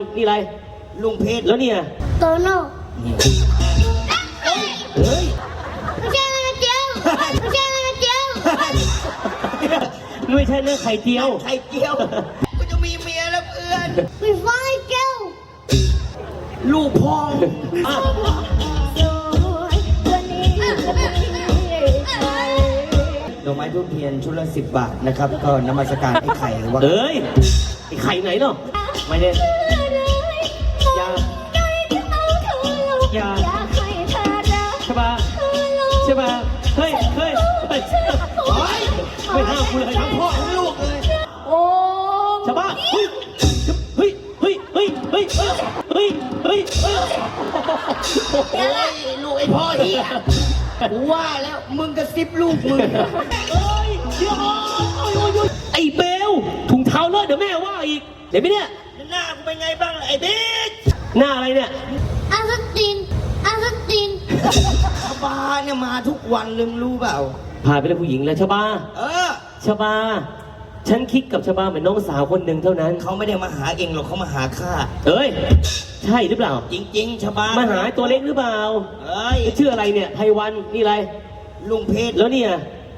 นี่อะไรลุงเพชรแล้วเนี่ยโตโน่เฮ้ยไม่ใช่นะเจียวไม่ใช่นะเจียวไม่ใช่เรื่องไข่เจียวไข่เจียวกูจะมีเมียแล้วเพื่อนไม่ฟังไอ้เจียวลูกพ่องดอกไม้ทูบเทียนชุดละ10 บาทนะครับก็นมัสการไอ้ไข่ว่าเอ้ยไอ้ไข่ไหนเนาะไม่ได้อย่าใช่ป่ะใช่ป่ะเฮ้ยไม่ห้ามกูเลยทั้งพ่อทั้งลูกเลยโอ้ใช่ป่ะเฮ้ยโอ้ยลูกไอ้พ่อเหี้ยกูว่าแล้วมึงกระซิบลูกมึงไอ้เบลถุงเท้าเลอะเดี๋ยวแม่ว่าอีกเดี๋ยวไม่เนี่ยหน้ากูเป็นไงบ้างไอ้เบสหน้าอะไรเนี่ยอาสตินชบาเนี่ยมาทุกวันลืมรู้เปล่าพาไปเป็นผู้หญิงแล้วชบาชบาฉันคิดกับชบาเหมือนน้องสาวคนหนึ่งเท่านั้นเขาไม่ได้มาหาเองหรอกเขามาหาข้าเอ้ยใช่หรือเปล่าจริงๆชบามาหาตัวเล็กหรือเปล่าชื่ออะไรเนี่ยไพวันนี่อะไรลุงเพชรแล้วเนี่ย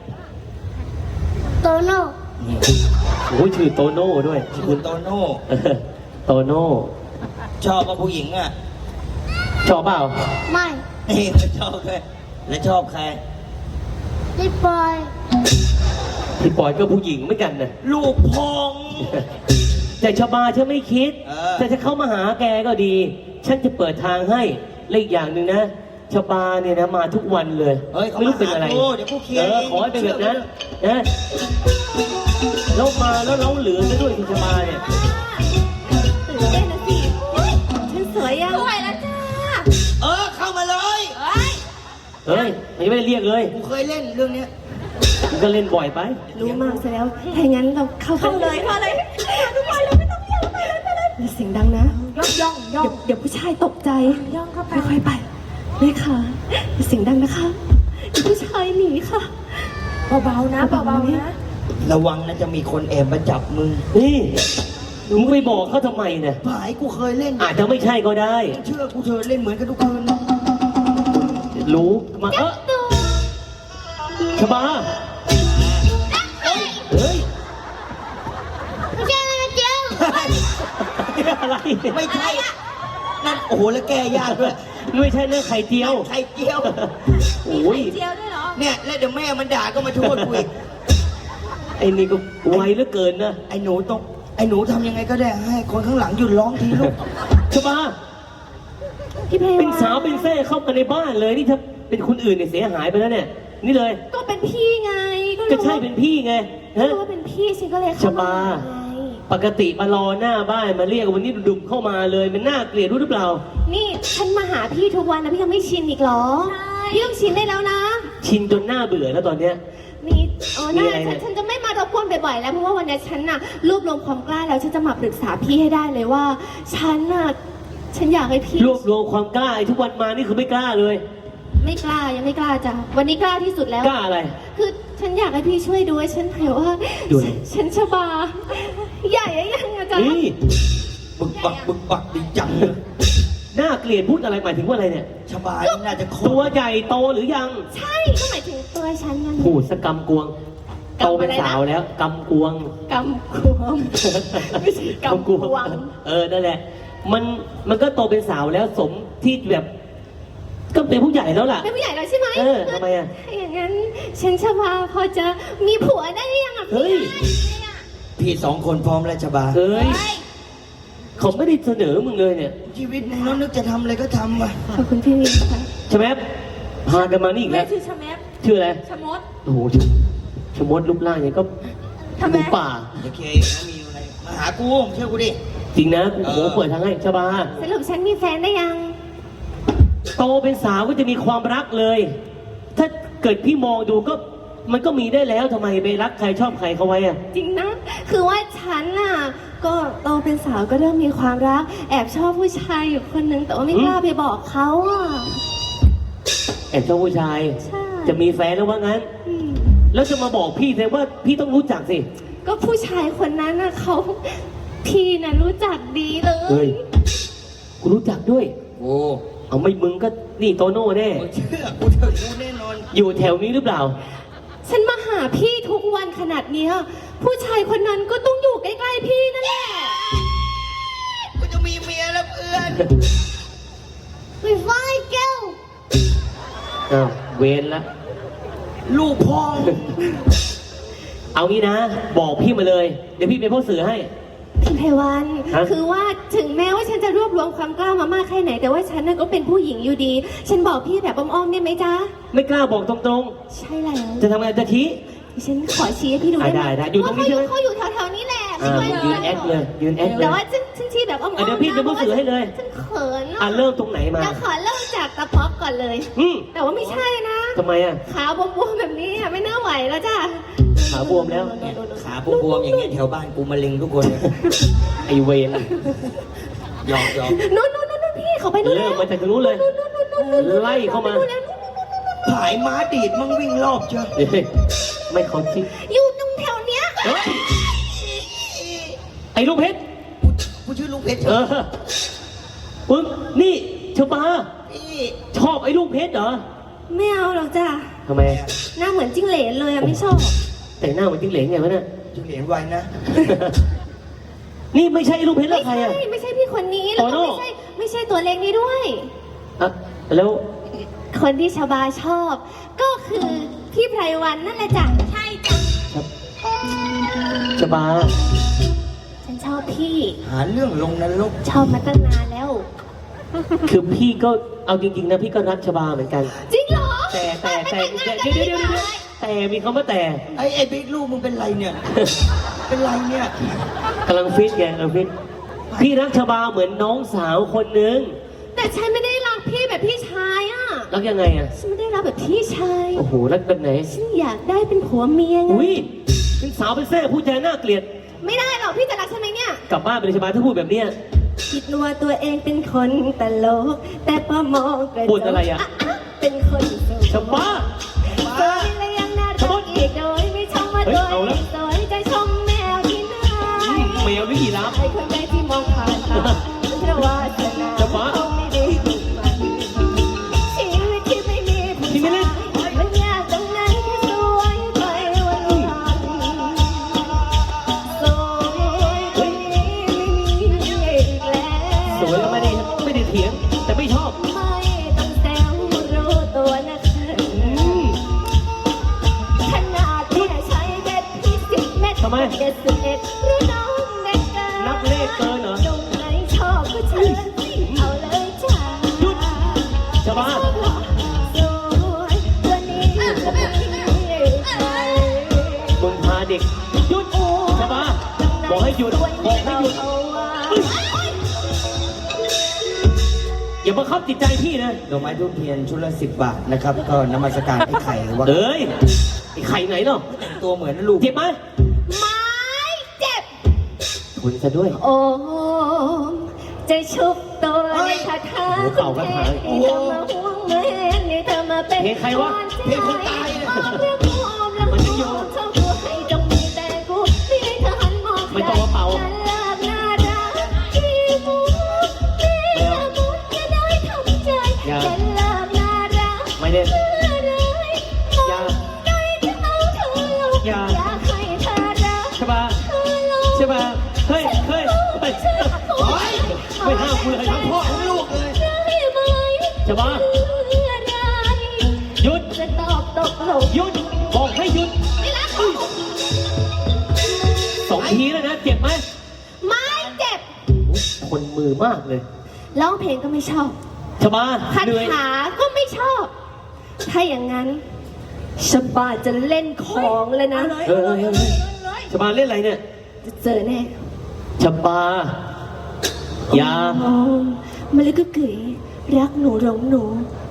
โตโน่โอ้ยชื่อโตโน่ด้วยคุณโตโน่โตโน่ชอบกับผู้หญิงอ่ะชอบเปล่าไม่ไม่ชอบเลยแล้วชอบใครพี่ปอยก็ผู้หญิงเหมือนกันนะลูกพองแต่ชบาฉันไม่คิดแต่จะเข้ามาหาแกก็ดีฉันจะเปิดทางให้และอีกอย่างหนึ่งนะชบาเนี่ยนะมาทุกวันเลยไม่รู้เป็นอะไรขอให้เป็นแบบนั้นนะแล้วมาแล้วเราเหลือซะด้วยที่ชบาเนี่ยตื่นเต้นนะสิฉันสวยยังสวยแล้วจ้าเข้ามาเลยเฮ้ยไม่ได้เรียกเลยกูเคยเล่นเรื่องนี้ก็เล่นบ่อยไปรู้มากซะแล้วถ้างั้นเราเข้าเลยทุกคนเราไม่ต้องไปเลยเสียงดังนะย่องเดี๋ยวผู้ชายตกใจย่องเข้าไปค่อยๆไปเลยค่ะเสียงดังนะคะเดี๋ยวผู้ชายหนีค่ะเบาๆนะระวังนะจะมีคนแอบมาจับมึงนี่มึงไปบอกเขาทำไมเนี่ยผายกูเคยเล่นอาจจะไม่ใช่ก็ได้เชื่อกูเธอเล่นเหมือนกันทุกคืนรู้มาชบาเฮ้ยไม่ใช่นะเจียวอะไรไม่ใช่นั่นโอ้โหแล้วแกยากด้วยไม่ใช่เรื่องไข่เจียวโอ้ยไข่เจียวด้วยเหรอเนี่ยแล้วเดี๋ยวแม่มันด่าก็มาโทษกูอีกไอ้นี่ก็ไวเหลือเกินนะไอ้หนูทำยังไงก็ได้ให้คนข้างหลังหยุดร้องทีลูกชบาเป็นสาวเป็นแซ่เข้ามาในบ้านเลยนี่ถ้าเป็นคนอื่นเนี่ยเสียหายไปแล้วเนี่ยนี่เลยก็เป็นพี่ไงก็ใช่เป็นพี่ไงฮะก็เป็นพี่ฉันก็เลยเข้ามาปกติมารอหน้าบ้านมาเรียกวันนี้ดุ่มเข้ามาเลยมันน่าเกลียดรู้หรือเปล่านี่ฉันมาหาพี่ทุกวันนะพี่ยังไม่ชินอีกหรอพี่ต้องชินได้แล้วนะชินจนหน้าเบื่อแล้วตอนเนี้ยนี่น่าฉันจะไม่มารบกวนบ่อยๆแล้วเพราะว่าวันนี้ฉันน่ะรวบรวมความกล้าแล้วฉันจะมาปรึกษาพี่ให้ได้เลยว่าฉันอยากให้พี่รวบรวมความกล้าทุกวันมานี่คือไม่กล้าเลยไม่กล้ายังไม่กล้าจ้ะวันนี้กล้าที่สุดแล้วกล้าอะไรคือฉันอยากให้พี่ช่วยดูฉันเห็นว่าฉันชบาใหญ่ยังอาจารย์นี่บึกบักดีจังเลยน่าเกลียดพูดอะไรหมายถึงว่าอะไรเนี่ยชบาน่าจะตัวใหญ่โตหรือยังใช่ก็หมายถึงตัวฉันนั่นพูดสกำกวงโตเป็นสาวแล้วกำกวงไม่ใช่กำกวงนั่นแหละมันก็โตเป็นสาวแล้วสมที่แบบก็เป็นผู้ใหญ่แล้วล่ะเป็นผู้ใหญ่แล้วใช่ไหมทำไมอย่างนั้นฉันชบาพอจะมีผัวได้หรือยังเฮ้ยพี่2 คนพร้อมแล้วชบาเฮ้ยเขาไม่ได้เสนอมึงเลยเนี่ยชีวิตมึงนึกจะทำอะไรก็ทำว่ะขอบคุณพี่ค่ะชแมปพากันมานี่อีกแล้วชื่อชแมปชื่ออะไรชมดโอ้โหชมดรูปร่างเนี่ยก็หมูป่าโอเคมีอะไรมาหากูเชื่อกูดิจริงนะกูเปิดทางให้ชบาสรุปฉันมีแฟนได้ยังโตเป็นสาวก็จะมีความรักเลยถ้าเกิดพี่มองดูก็มันก็มีได้แล้วทำไมไปรักใครชอบใครเขาไว้อะจริงนะคือว่าฉันน่ะก็โตเป็นสาวก็เริ่มมีความรักแอบชอบผู้ชายอยู่คนนึงแต่ว่าไม่กล้าไปบอกเขาอ่ะแอบชอบผู้ชายจะมีแฟนแล้วว่างั้นแล้วจะมาบอกพี่แสดงว่าพี่ต้องรู้จักสิก็ผู้ชายคนนั้นน่ะเขาพี่น่ะรู้จักดีเลเฮ้ยยกูรู้จักด้วยโอ้เอาไม่มึงก็นี่โตโน่แน่มึงเชื่อกูเถอะกูแน่นอนอยู่แถวนี้หรือเปล่าฉันมาหาพี่ทุกวันขนาดเนี้ยผู้ชายคนนั้นก็ต้องอยู่ใกล้ๆพี่นั่นแหละกูจะมีเมียแล้วเพื่อนไปไฟแก้วอ้าวเวนละลูกพ่อเอางี้นะ บอกพี่มาเลย เดี๋ยวพี่เป็นพ่อสื่อให้พี่ไพวันฮะคือว่าถึงแม้ว่าฉันจะรวบรวมความกล้ามามากแค่ไหน แต่ว่าฉันน่ะก็เป็นผู้หญิงอยู่ดี ฉันบอกพี่แบบอ้อมๆได้ไหมจ๊ะไม่กล้าบอกตรงใช่แล้วๆ จะทำไงจะชี้ฉันขอชี้ให้พี่ดูได้ไหมได้อยู่ตรงนี้ใช่ไหมเขาอยู่แถวๆนี้แหละอ่าไม่ยืค่อนแอคเลย ยืนแอคเลแต่ยว่าฉันชี้แบบอ้อมๆอ่ะเดี๋ยวพี่จะพูดสื่อให้เลยฉันเขินอ่ะเริ่มตรงไหนมาเดี๋ยวขอเริ่มจากตะป๊อกก่อนเลยอืมแต่ว่าไม่ใช่นะทำไมอ่ะขาบวมๆแบบนี้อ่ะไม่น่าไหวแล้วจ้ะขาบวมแล้วเนี่ยขาบวมๆอย่างเงี้ยแถวบ้านกูมะเร็งทุกคนเลยไอเวนหยอกหยอกนู่นพี่เขาไปนู่นเริ่มมาจากตรงนู้นเลย ไล่เข้ามาผายม้าดีดมั่งวิ่งรอบเชียวเฮ้ยไม่เขาจริงอยู่ตรงแถวเนี้ยเฮ้ยไอ้ลูกเพชรกูชื่อลุงเพชรเออปึ้งนี่ชบาพี่ชอบไอ้ลูกเพชรเหรอไม่เอาหรอกจ้ะทำไมหน้าเหมือนจิ้งเหลนเลยอ่ะไม่ชอบแต่งหน้าเหมือนจิ้งเหลนไงวะเนี่ยจุเหรียญไว้นะนี่ไม่ใช่ไอ้ลูกเพชรแล้วใครอ่ะไม่ใช่พี่คนนี้แล้วโตโน่ก็ไม่ใช่ตัวเล็กนี้ด้วยอ่ะแล้วคนที่ชบาชอบ ก็คือพี่ไพรวันนั่นแหละจ้ะใช่จ้ะชบาฉันชอบพี่หาเรื่องลงนรกชอบมาตั้งนานแล้วคือพี่ก็เอาจริงๆนะพี่ก็รักชบาเหมือนกันจริงเหรอแต่เดี๋ยวแต่มีคำว่าแต่ไอ้บิ๊กลูกมึงเป็นไรเนี่ย เป็นไรเนี่ยกำลังฟิตไงกำลังฟิตพี่รักชบาเหมือนน้องสาวคนนึงแต่ฉันไม่ได้รักพี่แบบพี่ชายอ่ะรักยังไงอ่ะฉันไม่ได้รักแบบพี่ชายโอ้โหรักแบบไหนฉันอยากได้เป็นผัวเมียไงอุ้ยเป็นสาวเป็นแซ่พูดจาน่าเกลียดไม่ได้หรอกพี่จะรักฉันไหมเนี่ยกลับบ้านไปเลยชบาถ้าพูดแบบเนี้ยคิดว่าตัวเองเป็นคนตลก แต่พอมองกระจกพูดอะไรอะเป็นคนสวยชบาสวยและยังน่ารักอีกโดยไม่ชมว่าเฮ้ยตัวเอาเอละงสวยจะชมแมวที่ไหนแมวหรือยีราฟไอ้คนใดที่มองผ่านตาเพราะว่าชนะจะบ้าเขาไม่ได้ถูกมันชีวิตที่ไม่มีผู้พี่ไม่เล่ชาน ยมันยากตรงไหนแค่สวยไปวันวันสวยคนนี้ไม่มีอีกแล้วสวยแล้วไม่ได้เถียง แต่ไม่ชอบไม่ต้องแซวรู้ตัวนะคะ ขนาดแค่ใช้เบ็ดที่10 เม็ดทำไม 71รู้น้องเด็กเกินนับเลขเกินเหรอตรงไหนชอบก็เชิญเอาเลยจ้าหยุดชบาชอบเหรอสวยตัวนี้ก็ไม่มีใครมึงพาเด็กหยุดชบาบอกให้หยุดบอกให้หยุดเอาไว้อย่าบังคับจิตใจพี่นะดอกไม้ทูบเทียนชุดละ10 บาทนะครับ ก็นมัสการไอ้ไข่ว่าเอ้ยไอ้ไข่ไหนเนาะตัวเหมือนลูกเจ็บไหมไม่เจ็บคุณซะด้วยโอ้จะชุบตัวในคาถาโอ้โหเป่าคาถาให้เธอมาห่วงเหมือนให้เธอมาเป็นเพลงใครวะเพลงคนตายเนี่ยเรื่องกูออมแล้วมันกูจะอยู่ชอบกูให้จงมีแต่กูไม่ให้เธอหันมองไม่ต้องมาเป่าฉันเลิกน่ารักที่มูที่ละมุนจะได้ทำใจอย่าฉันเลิกน่ารักไม่ได้เมื่อไรอย่าใจจะเอาเธอลงอย่าอยากให้เธอรักชบาเธอลงชบาเฮ้ยไม่ห้ามกูเลยทั้งพ่อทั้งลูกเลยชบาหยุดจะตอบตกลงหยุดบอกให้หยุดไม่รัก 2 ทีแล้วนะเจ็บไหมไม่เจ็บคนมือมากเลยร้องเพลงก็ไม่ชอบชบาคาเหนื่อยถาก็ไม่ชอบ ถ้าอย่างนั้นชบาจะเล่นของเลยนะเออชบาเล่นอะไรเนี่ยจะเจอแน่ชบาอย่าโอ้มาเลยก็เก๋รักหนูหลงหนู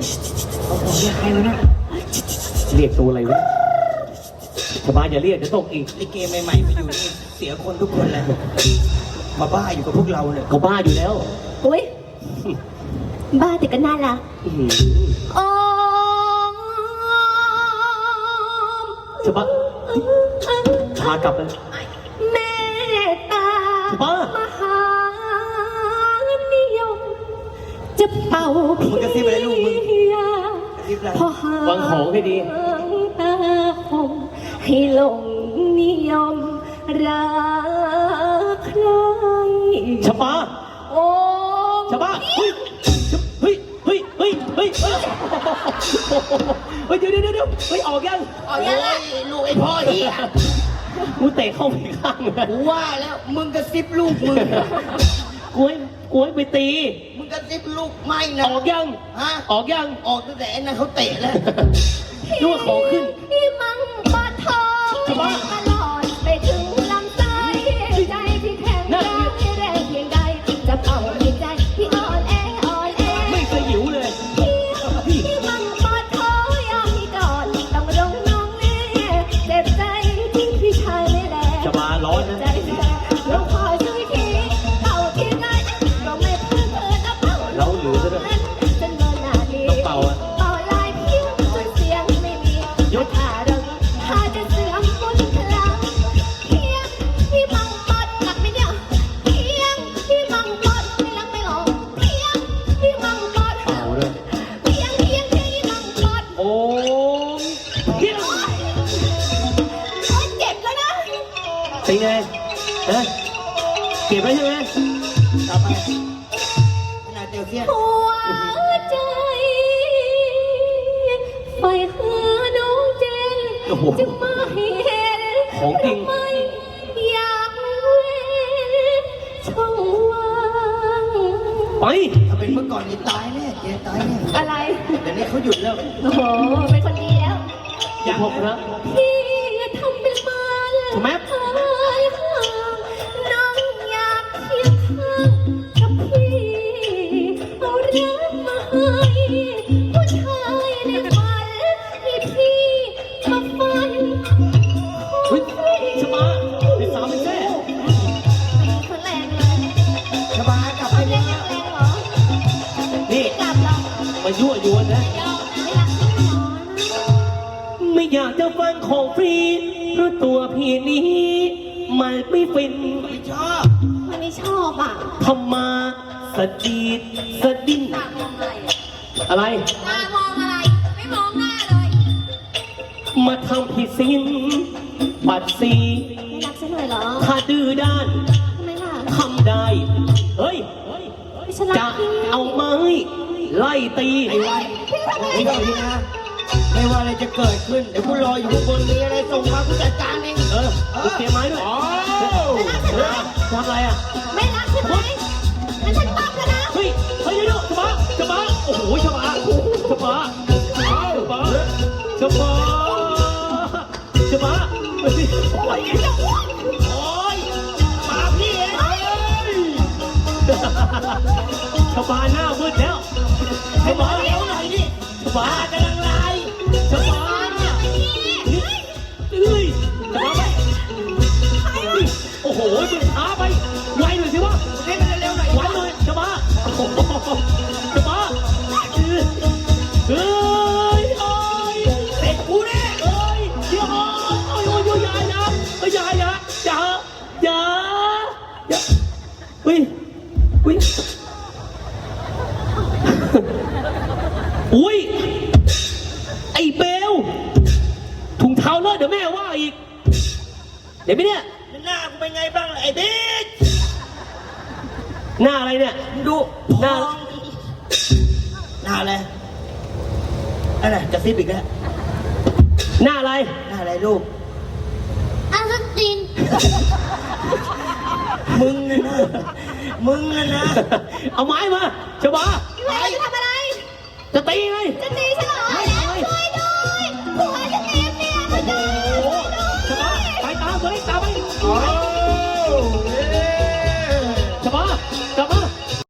เรียกตัวอะไรวะชบาอย่าเรียกจะตกอีกลิเกใหม่ๆมาอยู่นี่เสียคนทุกคนเลย มาบ้าอยู่กับพวกเราเนี่ยเขาบ้าอยู่แล้วอุ้ยบ้าแต่ก็น่ารักอื้อหือโอ้ชบาพากลับเลยเมตตาบ้ามจะเป่ามึงกระซิบอะไรลูกมึงยากระซิบอะไรพอหาวางของให้ดีตาคมให้หลงนิยมรักใครชบาโอ้ชบาเฮ้ยเฮ้ยเฮ้ยเฮ้ยเฮ้ยเฮ้ยเฮ้ยเดี๋ยวเฮ้ยออกยังโอ้ยลูกไอ้พ่อเหี้ยกูเตะเข้าไปข้างเลยกูว่าแล้วมึงกระซิบลูกมึงกูให้ไปตีมึงกระซิบลูกไม่นะออกยังฮะออกยังออกตั้งแต่ไอ้นั่นเขาเตะแล้วนึกว่าของขึ้นที่มังปะทองชบาตลอดไปถึงลำไส้ใจที่แข็งแรงแรงเพียงใดจะเป่าในใจที่อ่อนแออ่อนแอไม่เคยหิวเลยที่มันปอดคอยามมีก่อนต้องร้องน้องแน่เจ็บใจที่พี่ชายไม่แลชบาร้อนนะใจแท้น้องคอยช่วยทีเป่าที่ไหนก็ไม่เพื่อเธอนะเป่าเราเหลือซะด้วยจนเมื่อนาทีต้องเป่าอะเป่าลายเพียงจนเสียงไม่มีหยุดถ้าเราถ้าจะเสื่อมบนพลังเพียงที่มังปอดหนักไม่เดียวเพียงที่มังปอดไม่รักไม่หลอกเพียงที่มังปอดเป่าเลยเพียงที่มังปอดโอ้เฮียโอ๊ยเจ็บแล้วนะเป็นไงฮะเก็บไว้ใช่ไหมต่อไปขนาดเดียวเทียนหัวใจไฟหาน้องเจนโอ้โหจะมาให้เห็นของจริงทำไมอยากเว้นช่องว่างไปถ้าเป็นเมื่อก่อนนี่ตายแน่แกตายแน่อะไรเดี๋ยวนี้เขาหยุดแล้วโอ้โห เป็นคนดีแล้วอย่าพกนะพี่ทำเป็นมาเลยทำไมหายห่างน้องอยากเคียงข้างกับพี่เอารักมาให้ผู้ชายในฝันให้พี่มาฝันเฮ้ยชบาเป็นสาวเป็นแม่คนแรงเลยชบากลับคไปนแรแล้งวยังแรงเหรอนี่กลับเหรอมายั่วยวนนะยอมไม่รักพี่หมอนะไม่อยากจะฟังของฟรีเพราะตัวพี่นี้มันไม่ฟินไม่ชอบมันไม่ชอบอ่ะทำมาสะดีดสะดิ้นตามองอะไรอะอะไรตามองอะไร ไม่มองหน้าเลยมาทำผิดศีลปัดสีไม่รักฉันเลยเหรอถ้าดื้อด้านทำไมล่ะทำได้ เฮ้ยไม่ฉันรัจะกพี่เอาไม้ไล่ตีไอ้วันนี่ก็พี่นะไม่ว่าอะไรจะเกิดขึ้น เดี๋ยวกูรออยู่ข้างบนมีอะไรส่งมากูจัดการเองเออกูเตรียมไม้ด้วยทำอะไรอ่ะไม่รักใช่ไหมงั้นฉันปั๊บแล้วนะเฮ้ย เฮ้ยเดี๋ยวชบาโอ้โหชบาชบาชบาเฮ้ยโอ้ยโอ้ยมาพี่เองชบาหน้ามืดแล้วชบาเร็วหน่อยดิชบากำลังไล่ชบาเฮ้ยชบาไปโอ้โหมึงช้าไปไวหน่อยสิวะเล่นเร็วหน่อยไว้เลยจะมาจะมาเฮ้ยโอ้ยเสร็จกูแน่เฮ้ยเดี๋ยวโอ้ยอย่าเฮ้ยอุ้ยไอ้เบลถุงเท้าเลอะเดี๋ยวแม่ว่าอีกเดี๋ยวไปเนี่ยหน้ากูเป็นไงบ้างล่ะไอ้บิ๊กหน้าอะไรเนี่ยดูหน้าหน้าอะไรอะไรกระซิบอีกแล้วหน้าอะไรหน้าอะไรลูกอาสตินมึงนะนะมึงนะนะเอาไม้มาชบาพี่เวจะทำอะไรจะตีไงจะตีฉันเหรอ